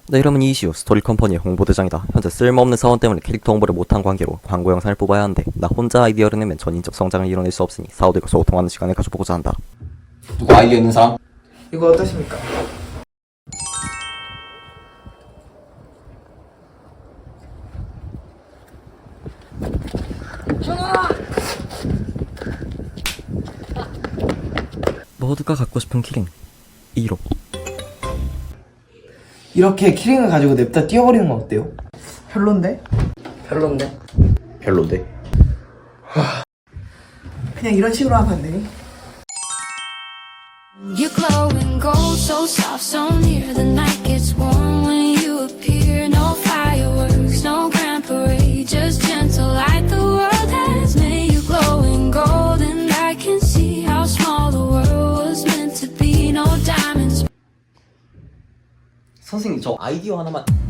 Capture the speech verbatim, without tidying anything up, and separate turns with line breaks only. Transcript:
내 이름은 이시우, 스토리 컴퍼니의 홍보대장이다. 현재 쓸모없는 사원 때문에 캐릭터 홍보를 못한 관계로 광고 영상을 뽑아야 하는데 나 혼자 아이디어를 내면 전인적 성장을 이뤄낼 수 없으니 사원들과 소통하는 시간을 가져보고자 한다.
누구 아이디어 있는 사람?
이거 어떠십니까?
모두가 갖고 싶은 키링 일 호.
이렇게 키링을 가지고 냅다 띄워버리는 건 어때요? 별론데? 별론데?
별론데.
그냥 이런 식으로 하면 안 되니?
You glow and gold, so soft, so near. The night gets warm when you appear. No fireworks, no grand parade, just gentle light the world has made. You glow and gold, and I can see how small the world was meant to be. No diamonds.
선생님 저 아이디어 하나만.